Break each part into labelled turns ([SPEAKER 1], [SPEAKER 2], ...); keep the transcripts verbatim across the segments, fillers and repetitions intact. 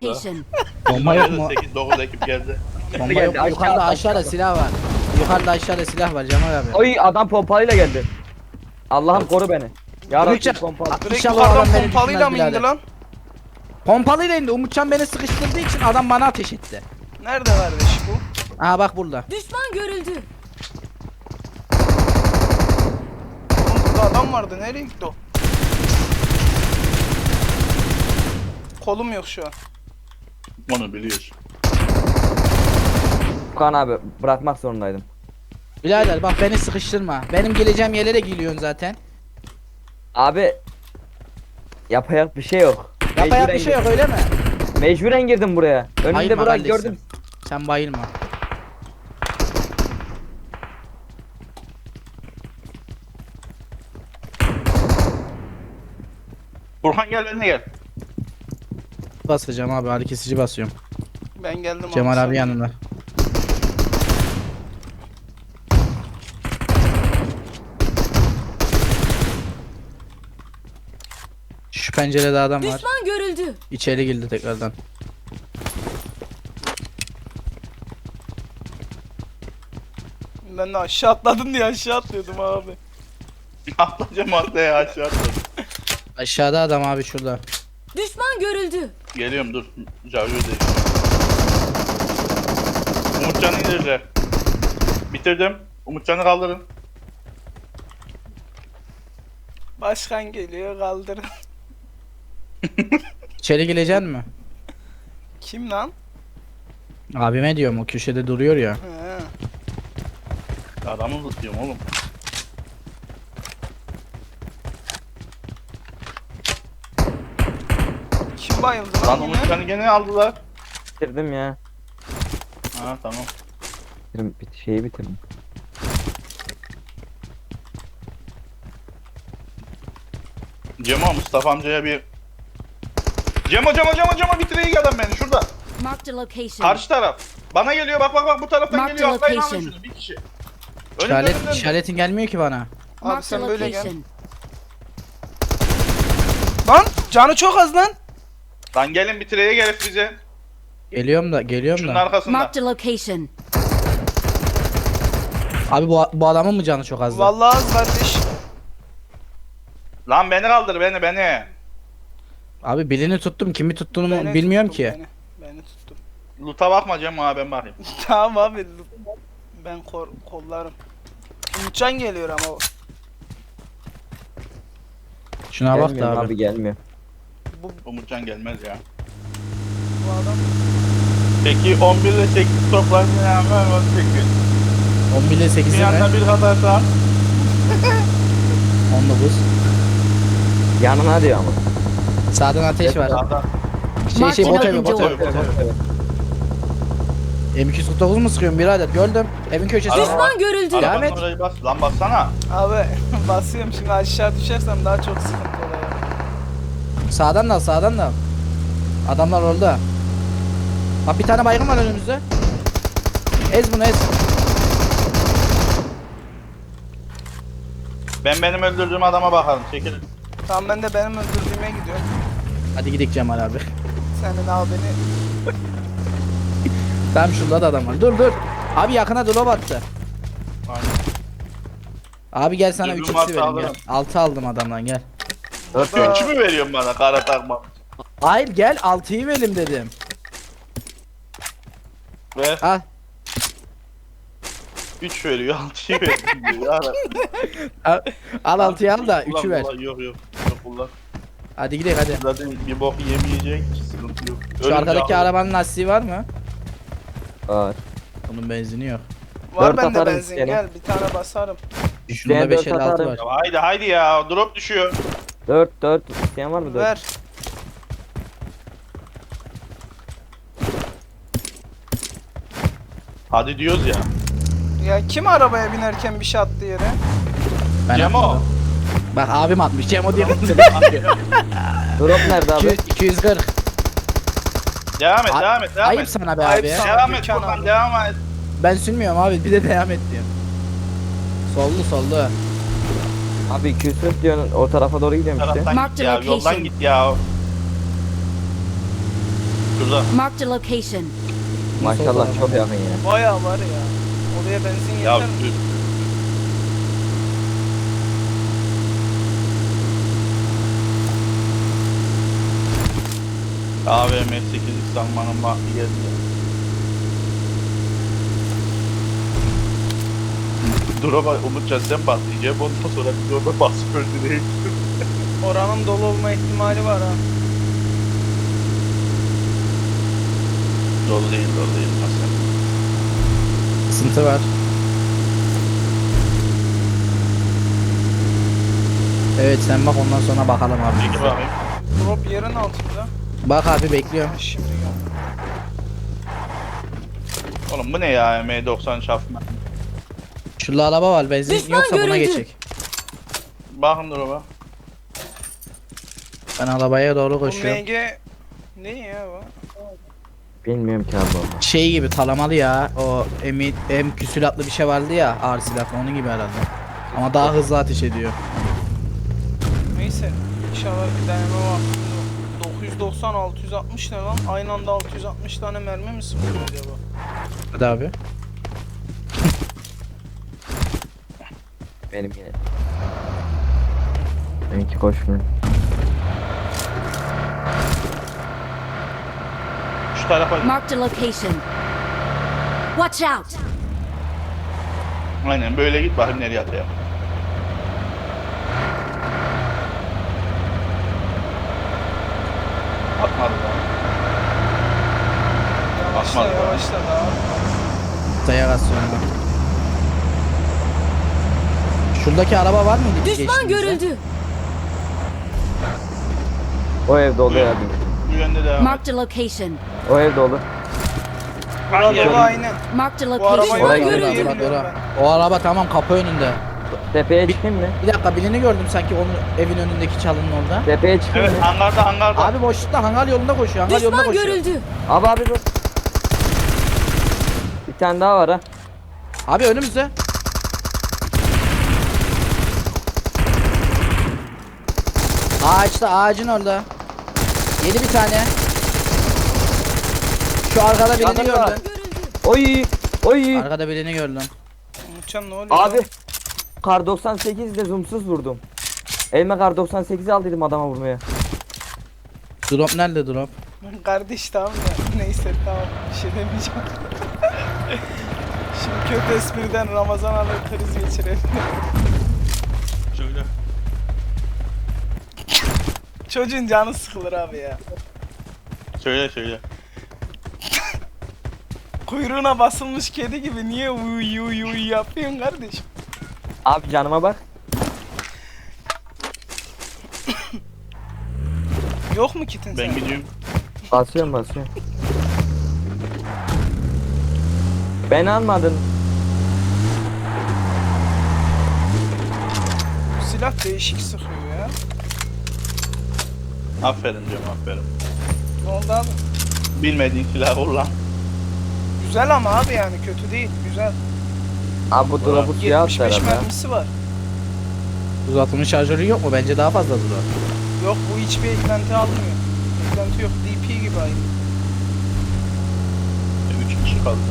[SPEAKER 1] location.
[SPEAKER 2] Bomba yok mu?
[SPEAKER 3] sekiz dokuz ekip geldi.
[SPEAKER 2] Bomba
[SPEAKER 4] Geldi,
[SPEAKER 2] yok mu?
[SPEAKER 4] aşağı-
[SPEAKER 2] Yukarıda aşağıda
[SPEAKER 4] aşağı.
[SPEAKER 2] silah var. Yukarıda aşağıda silah var Cemal abi.
[SPEAKER 4] Oy adam pompalıyla geldi. Allah'ım koru beni. Ya Rabbi
[SPEAKER 2] Umutcan,
[SPEAKER 4] pompalı.
[SPEAKER 2] a-
[SPEAKER 5] Direkt
[SPEAKER 2] İnşallah o adam
[SPEAKER 5] yukarıdan
[SPEAKER 2] beni
[SPEAKER 5] pompalıyla
[SPEAKER 2] düşürmez
[SPEAKER 5] mı indi
[SPEAKER 2] birader.
[SPEAKER 5] lan?
[SPEAKER 2] Pompalıyla indi. Umutcan beni sıkıştırdığı için adam bana ateş etti.
[SPEAKER 5] Nerede kardeş bu?
[SPEAKER 2] Aha bak burada.
[SPEAKER 1] Düşman görüldü.
[SPEAKER 5] Oğlum burada adam vardı. Nereye gitti o? Kolum yok şu an.
[SPEAKER 3] Onu biliyorsun.
[SPEAKER 4] Kaan abi bırakmak zorundaydım.
[SPEAKER 2] Birader bak beni sıkıştırma. Benim geleceğim yerlere geliyorsun zaten.
[SPEAKER 4] Abi yapayak bir şey yok.
[SPEAKER 2] Yapacak
[SPEAKER 4] Mecburen
[SPEAKER 2] bir şey yok
[SPEAKER 4] girdim.
[SPEAKER 2] öyle mi?
[SPEAKER 4] Mecburen girdim buraya. Önümde
[SPEAKER 2] Bayılma
[SPEAKER 4] bırak
[SPEAKER 2] kardeşim.
[SPEAKER 4] gördüm.
[SPEAKER 2] Sen bayılma.
[SPEAKER 3] Burhan gel benimle gel.
[SPEAKER 2] Basacağım abi, ağrı kesici basıyorum.
[SPEAKER 5] Ben geldim
[SPEAKER 2] Cemal
[SPEAKER 5] sen-
[SPEAKER 2] abi yanında. Şu pencerede adam var.
[SPEAKER 1] Düşman görüldü.
[SPEAKER 2] İçeri girdi tekrardan.
[SPEAKER 5] Ben de aşağı atladın diye aşağı atlıyordum abi.
[SPEAKER 3] Atlayacağım atlaya aşağı atladım.
[SPEAKER 2] Aşağıda adam abi şurada.
[SPEAKER 1] Düşman görüldü.
[SPEAKER 3] Geliyorum dur. Javyo değil. Umutcan'ı indirdiler. Bitirdim. Umutcan'ı kaldırın.
[SPEAKER 5] Başkan geliyor kaldırın.
[SPEAKER 2] İçeri gireceksin mi?
[SPEAKER 5] Kim lan?
[SPEAKER 2] Abime diyorum, o köşede duruyor ya.
[SPEAKER 5] He.
[SPEAKER 3] Adamı tutuyorum oğlum.
[SPEAKER 5] Kim bayıldı
[SPEAKER 3] Lan
[SPEAKER 5] lan yine?
[SPEAKER 3] Umutcan'ı gene aldılar.
[SPEAKER 4] Bitirdim ya.
[SPEAKER 3] Ha tamam.
[SPEAKER 4] Bitirdim, bit şeyi bitirdim.
[SPEAKER 3] Cemo Mustafa amcaya bir... Cemo Cemo Cemo Cemo bitireyim adam beni şurada.
[SPEAKER 1] Marked a location.
[SPEAKER 3] Karşı taraf. Bana geliyor bak bak bak bu taraftan
[SPEAKER 1] Mark
[SPEAKER 3] geliyor.
[SPEAKER 1] the
[SPEAKER 3] Atlayın alın
[SPEAKER 1] location.
[SPEAKER 3] şunu bir kişi. Önümde,
[SPEAKER 2] İşaret,
[SPEAKER 3] önümde.
[SPEAKER 2] işaretin gelmiyor ki bana.
[SPEAKER 5] Abi
[SPEAKER 1] Marked a
[SPEAKER 5] sen böyle gel.
[SPEAKER 1] location.
[SPEAKER 5] Lan canı çok az lan.
[SPEAKER 3] Lan gelin bitireye gelip bize.
[SPEAKER 2] Geliyorum da, geliyorum
[SPEAKER 3] Şunun
[SPEAKER 2] da.
[SPEAKER 3] arkasında.
[SPEAKER 1] Marked a location.
[SPEAKER 2] Abi bu, bu adamın mı canı çok azdı?
[SPEAKER 5] Vallahi az kardeş.
[SPEAKER 3] Lan beni kaldır beni beni.
[SPEAKER 2] Abi birini tuttum, kimi tuttuğunu
[SPEAKER 5] Beni
[SPEAKER 2] bilmiyorum
[SPEAKER 5] tuttum,
[SPEAKER 2] ki.
[SPEAKER 5] Beni, beni tuttum.
[SPEAKER 3] Loot'a bakma Cemo ha ben bakayım.
[SPEAKER 5] Tamam abi. Ben kor kollarım. Umutcan geliyor ama o.
[SPEAKER 2] Şuna bak da
[SPEAKER 4] Gelmiyor
[SPEAKER 2] abi.
[SPEAKER 4] abi gelmiyor.
[SPEAKER 5] Bu,
[SPEAKER 3] Umutcan gelmez ya.
[SPEAKER 5] bu adam.
[SPEAKER 3] Peki on bir ile sekiz toplar ne yapar on sekiz.
[SPEAKER 2] on bir ile
[SPEAKER 3] Bir
[SPEAKER 2] sekiz mi?
[SPEAKER 3] yanda bir kadarsa.
[SPEAKER 2] on dokuz.
[SPEAKER 4] Yanına diyor ama.
[SPEAKER 2] Sağdan ateş var.
[SPEAKER 3] Sağdan.
[SPEAKER 2] Şey şey bot
[SPEAKER 1] Marked
[SPEAKER 2] evi, bot
[SPEAKER 1] a
[SPEAKER 2] evi. M iki yüz kırk dokuz mu sıkıyorum birader? Gördüm. Evin köşesinde.
[SPEAKER 3] Araba-
[SPEAKER 1] Düşman görüldü.
[SPEAKER 2] Devam
[SPEAKER 3] Arabanın
[SPEAKER 2] et.
[SPEAKER 3] orayı bas. Lan bassana.
[SPEAKER 5] Abi basıyorum şimdi aşağı düşersem daha çok sıkıntı oluyor.
[SPEAKER 2] Sağdan da al, sağdan da al. Adamlar orada. Bak bir tane baygın var önümüzde. Ez bunu ez.
[SPEAKER 3] Ben benim öldürdüğüm adama bakalım. Çekilin.
[SPEAKER 5] Tamam ben de benim öldürdüğüme gidiyorum.
[SPEAKER 2] Hadi gidelim Cemal abi.
[SPEAKER 5] Senin abi beni.
[SPEAKER 2] Tamam şurada da adam var. Dur dur. Abi yakına drop attı.
[SPEAKER 3] Aynen.
[SPEAKER 2] Abi gel sana
[SPEAKER 3] Dürbün
[SPEAKER 2] üç x'i
[SPEAKER 3] varsa
[SPEAKER 2] vereyim gel.
[SPEAKER 3] alırım.
[SPEAKER 2] altı aldım adamdan gel.
[SPEAKER 4] Dört
[SPEAKER 5] Aa.
[SPEAKER 3] Üç mü veriyorsun bana kara takma?
[SPEAKER 2] Hayır gel altıyı verim dedim.
[SPEAKER 3] Ver.
[SPEAKER 2] Al.
[SPEAKER 3] üç veriyor. altıyı veriyor. Ya
[SPEAKER 2] Al, al altıyı al da
[SPEAKER 3] Kullan,
[SPEAKER 2] üçü ver.
[SPEAKER 3] kullan, Yok yok. Yok kullan.
[SPEAKER 2] Hadi gidelim hadi.
[SPEAKER 3] Zaten bir bok yemeyecek. Sıkıntı yok.
[SPEAKER 2] Şu
[SPEAKER 3] Ölünce
[SPEAKER 2] arkadaki
[SPEAKER 3] al.
[SPEAKER 2] arabanın lastiği var mı?
[SPEAKER 4] var.
[SPEAKER 2] Bunun benzini yok.
[SPEAKER 5] Var
[SPEAKER 4] Dört
[SPEAKER 5] bende
[SPEAKER 4] atarım
[SPEAKER 5] benzin
[SPEAKER 4] seni.
[SPEAKER 5] gel bir tane basarım.
[SPEAKER 2] Şunda
[SPEAKER 4] dört
[SPEAKER 2] beş elli altı
[SPEAKER 4] atarım.
[SPEAKER 2] var.
[SPEAKER 3] Ya haydi haydi ya. Drop düşüyor.
[SPEAKER 4] Dört dört. İsteyen var mı dört?
[SPEAKER 5] Ver.
[SPEAKER 3] Hadi diyoruz ya.
[SPEAKER 5] Ya kim arabaya binerken bir şey attı yere?
[SPEAKER 2] Ben
[SPEAKER 3] Cemo.
[SPEAKER 2] atmadım. Bak abim atmış. Cemo diye.
[SPEAKER 4] Drop nerede abi?
[SPEAKER 2] iki yüz kırk.
[SPEAKER 3] Devam et
[SPEAKER 2] Ay-
[SPEAKER 3] devam et devam
[SPEAKER 2] Ayıp
[SPEAKER 3] et.
[SPEAKER 2] sana be
[SPEAKER 5] Ayıp
[SPEAKER 2] abi.
[SPEAKER 5] sana.
[SPEAKER 3] Devam et
[SPEAKER 5] Gökhan
[SPEAKER 3] Furkan
[SPEAKER 5] abi.
[SPEAKER 3] devam et.
[SPEAKER 2] Ben sürmüyorum abi. Bir de devam et diyorum. Sollu sollu.
[SPEAKER 4] Abi iki yüz kırk diyorsun o tarafa doğru gidiyorum işte.
[SPEAKER 3] Taraftan
[SPEAKER 1] Mark
[SPEAKER 3] git
[SPEAKER 1] the
[SPEAKER 3] ya.
[SPEAKER 1] location.
[SPEAKER 3] Yoldan git ya. Şurada.
[SPEAKER 1] Marked a location.
[SPEAKER 4] Maşallah çok yakın ya.
[SPEAKER 5] Bayağı var ya. Oraya benzin
[SPEAKER 3] Ya
[SPEAKER 5] yeter mi?
[SPEAKER 3] düz. A V M sekiz sanmanın vakti geldi. Dura bak Umutcan sen patlayacak ondan sonra biz orada basıp öldüreyim.
[SPEAKER 5] Oranın dolu olma ihtimali var ha.
[SPEAKER 3] Dolu değil dolu değil Hasan.
[SPEAKER 2] Sıkıntı var. Evet sen bak ondan sonra bakalım abi.
[SPEAKER 3] Peki bakayım.
[SPEAKER 5] Drop yerin altında.
[SPEAKER 2] Bak abi bekliyorum.
[SPEAKER 5] Şimdi gel.
[SPEAKER 3] Oğlum bu ne ya M doksan çarpma.
[SPEAKER 2] Şurada araba var benzin
[SPEAKER 1] Düşman
[SPEAKER 2] yoksa buna
[SPEAKER 1] görüldü.
[SPEAKER 2] geçecek.
[SPEAKER 3] Bakın dur bak.
[SPEAKER 2] Ben arabaya doğru
[SPEAKER 5] Bu
[SPEAKER 2] koşuyorum.
[SPEAKER 5] M G ne ya bu?
[SPEAKER 4] Bilmiyorum ki abi.
[SPEAKER 2] Şey gibi talamalı ya. O M, M küsülatlı bir şey vardı ya ağır silahlı onun gibi herhalde. Ama daha hızlı ateş ediyor.
[SPEAKER 5] Neyse. İnşallah bir deneme var. dokuz yüz doksan altı yüz altmış ne lan? Aynı anda altı yüz altmış tane mermi mi sıkıyor acaba?
[SPEAKER 2] Hadi abi.
[SPEAKER 4] Benim yine. Benimki koşmuyor.
[SPEAKER 3] Şu tarafa.
[SPEAKER 1] Marked a location. Watch out.
[SPEAKER 3] Aynen böyle git bakayım nereye atayım. Atmadı daha.
[SPEAKER 5] Yavaşla
[SPEAKER 3] Atmadı daha.
[SPEAKER 5] yavaşla daha.
[SPEAKER 2] Dayak atıyorum ben. Şuradaki araba var mıydı? biz
[SPEAKER 1] Düşman
[SPEAKER 2] geçtiğimizde?
[SPEAKER 1] görüldü.
[SPEAKER 4] O ev dolu ya.
[SPEAKER 3] Bu yönde devam et.
[SPEAKER 1] Marked a location.
[SPEAKER 4] O ev dolu.
[SPEAKER 5] Burada
[SPEAKER 3] Hayır.
[SPEAKER 5] dolu aynen.
[SPEAKER 1] Marked a
[SPEAKER 5] Bu araba
[SPEAKER 1] location.
[SPEAKER 5] yok.
[SPEAKER 4] Oraya
[SPEAKER 1] Düşman
[SPEAKER 4] gidelim.
[SPEAKER 1] görüldü.
[SPEAKER 2] Dur, dur,
[SPEAKER 5] Biliyorum
[SPEAKER 2] dur. O araba tamam kapı önünde.
[SPEAKER 4] Tepeye çıkayım mı?
[SPEAKER 2] Bir dakika birini gördüm sanki onun evin önündeki çalının orada.
[SPEAKER 4] Tepeye çıkayım
[SPEAKER 3] Evet
[SPEAKER 4] mı?
[SPEAKER 3] hangarda hangarda.
[SPEAKER 2] Abi boşlukta hangar yolunda koşuyor. Hangar yolunda
[SPEAKER 1] Düşman
[SPEAKER 2] koşuyor.
[SPEAKER 1] görüldü.
[SPEAKER 4] Abi abi dur. Bir tane daha var ha.
[SPEAKER 2] Abi önümüzde. Ağaçta ağacın orada. Yedi bir tane. Şu arkada birini
[SPEAKER 4] Adam var.
[SPEAKER 2] gördüm.
[SPEAKER 4] Oy. Oy.
[SPEAKER 2] Arkada birini gördüm.
[SPEAKER 5] Umutcan ne oluyor?
[SPEAKER 4] Abi.
[SPEAKER 5] lan?
[SPEAKER 4] Kar doksan sekiz ile zoomsuz vurdum. Elime kar doksan sekizi al dedim adama vurmaya.
[SPEAKER 2] Drop nerede drop?
[SPEAKER 5] Kardeş tamam da neyse tamam bir şey demeyeceğim. Şimdi kötü espriden Ramazan alır kriz geçirelim.
[SPEAKER 3] Şöyle.
[SPEAKER 5] Çocuğun canı sıkılır abi ya.
[SPEAKER 3] Söyle söyle.
[SPEAKER 5] Kuyruğuna basılmış kedi gibi niye uy uy uy yapıyorsun kardeşim?
[SPEAKER 4] Abi canıma bak.
[SPEAKER 5] Yok mu kitin
[SPEAKER 3] Ben
[SPEAKER 5] sen?
[SPEAKER 3] gidiyorum.
[SPEAKER 4] Basıyorum basıyorum. Ben almadın.
[SPEAKER 5] Bu silah değişik sıkıyor ya.
[SPEAKER 3] Aferin diyorum aferin.
[SPEAKER 5] Ne oldu abi?
[SPEAKER 3] Bilmediğin silah kullan.
[SPEAKER 5] Güzel ama abi yani kötü değil güzel.
[SPEAKER 4] Abi bu drop'u suya attı
[SPEAKER 5] yetmiş beş
[SPEAKER 4] herhalde.
[SPEAKER 5] mermisi var.
[SPEAKER 2] Uzatılmış şarjörü yok mu? Bence daha fazla drop.
[SPEAKER 5] Yok bu hiçbir eklenti almıyor. Eklenti yok D P gibi aynı.
[SPEAKER 3] Üç kişi kaldı.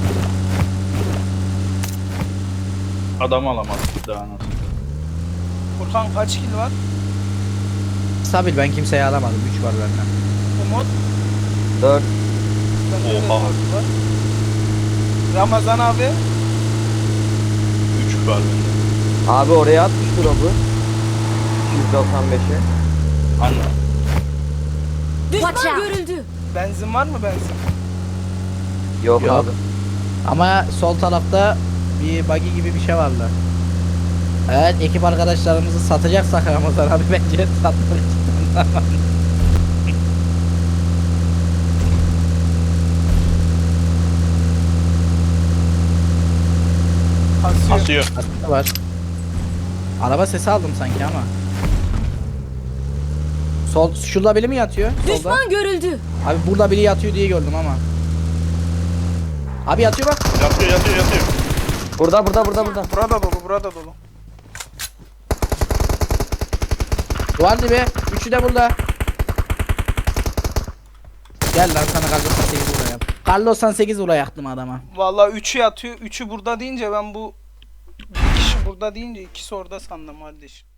[SPEAKER 3] Adam alamaz daha nasıl.
[SPEAKER 5] Furkan kaç kill var?
[SPEAKER 2] Stabil ben kimseyi alamadım. üç var bende.
[SPEAKER 5] Umut?
[SPEAKER 4] dört.
[SPEAKER 5] Bende de
[SPEAKER 3] Oha.
[SPEAKER 5] dört var. Ramazan abi?
[SPEAKER 3] Üç var bende.
[SPEAKER 4] Abi oraya atmış drop'u. yüz doksan beşe.
[SPEAKER 3] Anla.
[SPEAKER 1] Düşman
[SPEAKER 5] Watch out.
[SPEAKER 1] görüldü.
[SPEAKER 5] Benzin var mı benzin?
[SPEAKER 4] Yok,
[SPEAKER 2] Yok.
[SPEAKER 4] abi.
[SPEAKER 2] Ama sol tarafta bir buggy gibi bir şey vardı. Evet ekip arkadaşlarımızı satacaksak Ramazan abi bence satmak için.
[SPEAKER 5] Kasıyor.
[SPEAKER 3] Asıyor.
[SPEAKER 2] Aslında var. Araba sesi aldım sanki ama. Sol şurada biri mi yatıyor? Solda.
[SPEAKER 1] Düşman görüldü.
[SPEAKER 2] Abi burada biri yatıyor diye gördüm ama. Abi yatıyor bak.
[SPEAKER 3] Yatıyor yatıyor yatıyor.
[SPEAKER 4] Burada burada burada burada.
[SPEAKER 5] Burada dolu burada dolu.
[SPEAKER 2] Duvar dibi. Üçü de burada. Gel lan sana kar doksan sekiz vurayım. Kar doksan sekiz vurayaktım adama.
[SPEAKER 5] Vallahi üçü yatıyor. Üçü burada deyince ben bu bir kişi burada deyince ikisi orada sandım kardeşim.